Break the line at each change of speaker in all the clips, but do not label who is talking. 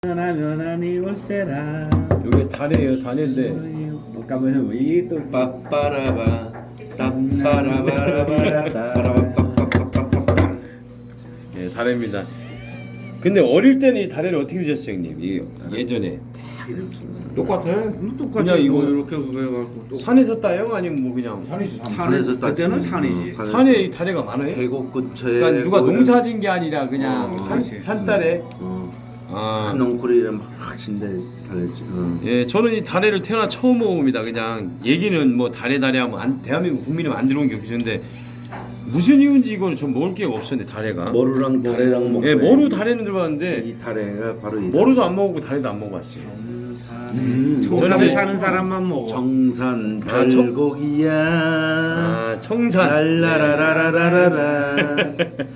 면하니 올세라.
이게 다네요, 다네인데.
잠깐만요. 이게 또
빠빠라바 땀빠라바라바라 빠라바빠빠빠빠빠.
예, 다래입니다. 근데 어릴 때는 이 다래를 어떻게 드셨어요, 형님? 이 예전에
똑같아.
똑같이
그냥 이거
이렇게 해갖고 또
산에서 따요? 아니면 뭐 그냥
산이지 산.
산에서
그때는
따지.
산이지.
산에 이 다래가 많아요?
계곡 근처에
그러니까 누가
보이는
농사진 게 아니라 그냥
그렇지.
산딸에.
큰 넝쿨이 막 진데 달렸지.
예, 저는 이 다래를 태어나 처음 먹어봅니다. 그냥 얘기는 뭐 다래 하면 대한민국 국민은 안 들어온 게 없는데 무슨 이유인지 이거는 전 먹을 기회가 없었는데 다래가.
머루랑 다래랑 먹고.
예, 머루 다래는 들어봤는데
이 다래가 바로 이
머루도 안 먹어보고 다래도 안 먹어봤어요.
청산에 사는 사람만 먹어.
정산
아, 청-
달고기야.
아, 청산.
랄라라라라라라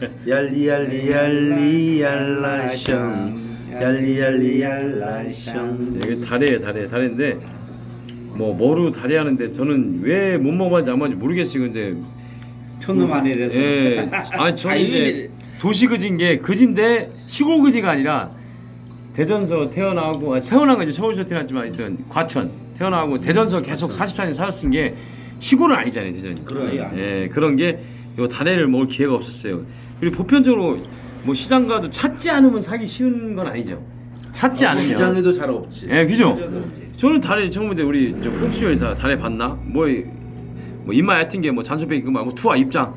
얄리얄리 얄라셩 얄리얄리 얄라셩.
이게 다래인데 뭐 머루 다래 하는데 저는 왜 못 먹어봤는지 안 먹었는지 모르겠어요. 근데
촌놈 아니라서.
예, 아니 저는 이제
아니,
도시 그지인 게 그지인데 시골 그지가 아니라 대전서 태어나고 태어난 건 이제 서울서 태어났지만 하여튼 과천 태어나고 대전서 계속 44년 살았은 게 시골은 아니잖아요, 대전이.
그래,
예, 그런 게 요 다래를 먹을 기회가 없었어요. 그리고 보편적으로 뭐 시장 가도 찾지 않으면 사기 쉬운 건 아니죠. 찾지 않으면.
시장에도 잘 없지.
예, 그죠?
맞아도 없지.
저는 다래 처음인데 우리 저 혹시 다 다래 봤나? 뭐 입맛 얕은 게 뭐 잔소리 그거 말고 투하 입장.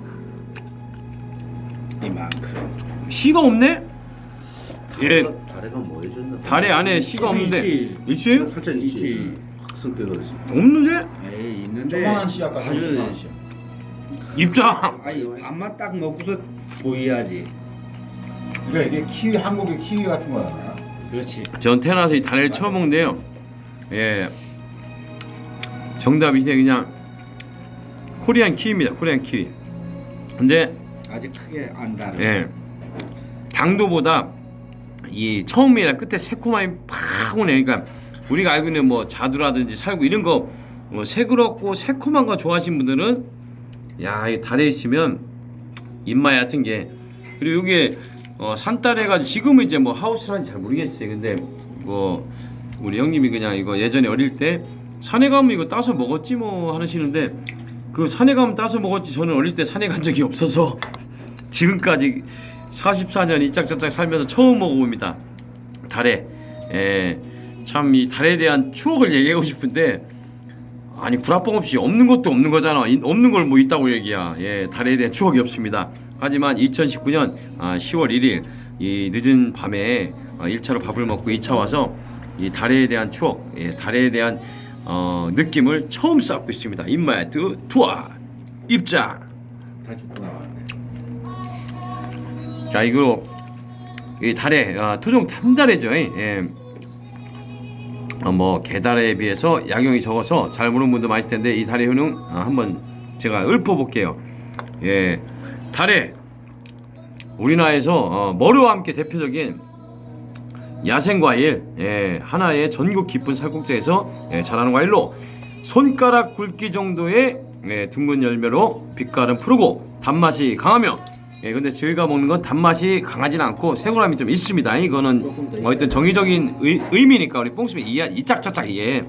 이만큼.
시가 없네? 예,
다래가 뭐 해줬나?
다래 안에 시가 없는데
있지.
있어요?
살짝 있지.
있지.
학습게 그러지.
없는데?
에이 있는데.
조그만한 씨 아까
아주
조그만한 씨.
입장.
아니 밥만 딱 먹고서 보여야지.
그러니까 이게 키위 한국의 키위 같은 거야.
그렇지.
전 태어나서 이 다래를 처음 먹는데요. 예, 정답이 그냥 코리안 키위입니다. 코리안 키위. 근데
아직 크게 안 달아.
예, 당도보다 이 처음이라 끝에 새콤함이 팍 오네. 그러니까 우리가 알고 있는 뭐 자두라든지 살구 이런 거 뭐 새그럽고 새콤한 거 좋아하시는 분들은 야, 이 달에 있으면 입맛 얕은 게. 그리고 이게 산딸 해가지고 지금은 이제 뭐 하우스라는지 잘 모르겠어요. 근데 뭐 우리 형님이 그냥 이거 예전에 어릴 때 산에 가면 이거 따서 먹었지 뭐 하시는데 그 산에 가면 따서 먹었지 저는 어릴 때 산에 간 적이 없어서 지금까지 44년 이짝저짝 살면서 처음 먹어봅니다. 달에. 예, 참 이 달에 대한 추억을 얘기하고 싶은데 아니 구라뻥 없이 없는 것도 없는 거잖아. 없는 걸 뭐 있다고 얘기야. 예, 달에 대한 추억이 없습니다. 하지만 2019년 10월 1일 이 늦은 밤에 1차로 밥을 먹고 2차 와서 이 달에 대한 추억, 예, 달에 대한 느낌을 처음 쌓고 있습니다. 입맛 투하 입장.
다시 또 나왔네.
자, 이거 이 달에 토종 탐달해죠. 예. 뭐 개달에 비해서 약용이 적어서 잘 모르는 분도 많을 텐데 이 달의 효능 한번 제가 읊어볼게요. 예, 달에 우리나라에서 머루와 함께 대표적인 야생과일, 예, 하나의 전국 깊은 살국지에서 자라는 과일로 손가락 굵기 정도의 둥근 열매로 빛깔은 푸르고 단맛이 강하며, 예, 근데 저희가 먹는 건 단맛이 강하지는 않고 새콤함이 좀 있습니다. 이거는 어쨌든 정의적인 의미니까 우리 뽕수이 이짝저짝 이해.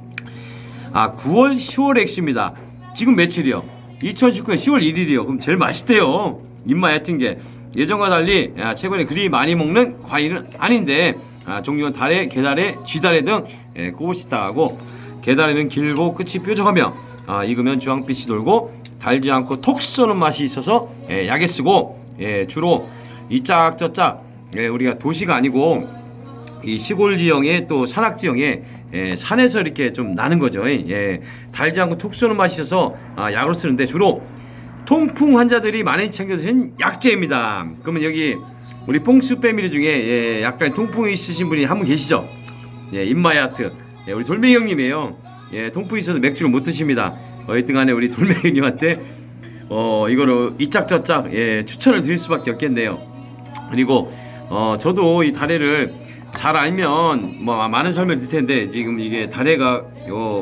9월 10월 액수입니다. 지금 며칠이요? 2019년 10월 1일이요. 그럼 제일 맛있대요. 입맛 얕은 게 예전과 달리 최근에 그리 많이 먹는 과일은 아닌데 종류는 달에, 개달에, 쥐달에 등 꼬부시다하고 개달에는 길고 끝이 뾰족하며 익으면 주황빛이 돌고 달지 않고 톡 쏘는 맛이 있어서 약에 쓰고 주로 이 짝저짝 우리가 도시가 아니고 이 시골 지형에 또 산악 지형에 산에서 이렇게 좀 나는 거죠. 달지 않고 톡 쏘는 맛이 있어서 약으로 쓰는데 주로 통풍 환자들이 많이 챙겨 드시는 약재입니다. 그러면 여기 우리 뽕수 패밀리 중에 약간 통풍이 있으신 분이 한 분 계시죠? 입맛 얕은 우리 돌멩이 형님이에요. 통풍이 있어서 맥주를 못 드십니다. 어쨌든간에 우리 돌멩이 형님한테 이거를 이짝저짝 추천을 드릴 수밖에 없겠네요. 그리고 저도 이 다래를 잘 알면 뭐 많은 설명을 드릴 텐데 지금 이게 다래가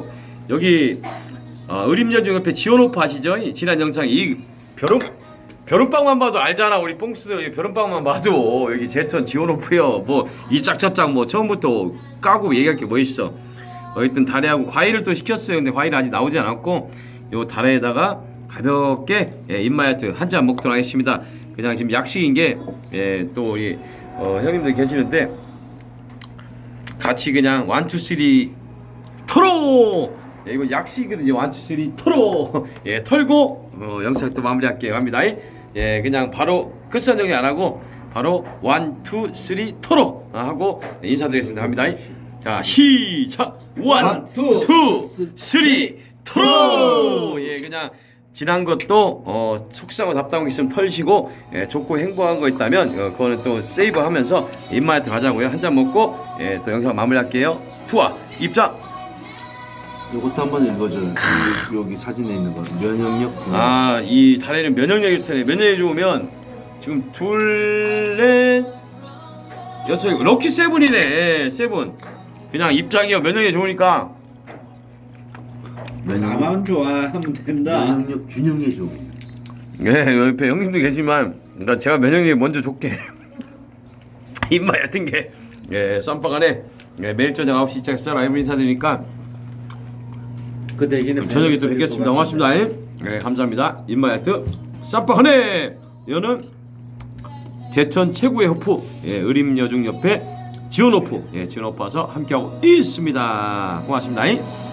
여기 의림여중 옆에 지원오프 아시죠? 지난 영상 이 벼룩 벼른빵만 봐도 알잖아. 우리 뽕스들 벼른빵만 봐도 여기 제천 지원오프요. 뭐 이 짝짝짝 뭐 처음부터 까고 얘기할 게 뭐 있어. 어쨌든 다래하고 과일을 또 시켰어요. 근데 과일은 아직 나오지 않았고 요 다래에다가 가볍게 입마야트 한 잔 먹도록 하겠습니다. 그냥 지금 약식인 게 또 우리 형님들 계시는데 같이 그냥 1, 2, 3 털어. 이거 약식이거든요. 1, 2, 3 털어. 털고 영상 또 마무리할게요. 갑니다. 그냥 바로 끝선정리 안 하고 바로 1, 2, 3 털어 하고 인사드리겠습니다. 갑니다. 자 시작. 1, 2, 3 털어. 그냥 지난 것도 속상하고 답답한 거 있으면 털시고 좋고 행복한 거 있다면 그거는 또 세이브하면서 입맛에 들어가자고요. 한 잔 먹고 또 영상 마무리할게요. 투아 입장.
이것도 한번 읽어줘. 여기 사진에 있는 거 면역력.
이 다래는 면역력이 좋다네. 면역력이 좋으면 지금 둘, 넷, 여섯, 럭키 세븐이네. 세븐. 그냥 입장이요. 면역력이 좋으니까.
나만 좋아하면 된다.
면역력 균형해 줘.
옆에 형님도 계시지만 그러니까 제가 면역력이 먼저 좋게 입맛 얕은 게 쌈바간에 매일 저녁 9시 시작해서 라이브 인사드리니까
그 대신에
저녁에 또 뵙겠습니다. 고맙습니다. 감사합니다. 입맛 얕은 쌈바간에 이거는 제천 최고의 호프 의림여중 옆에 지원호프 지원호프 와서 함께하고 있습니다. 고맙습니다.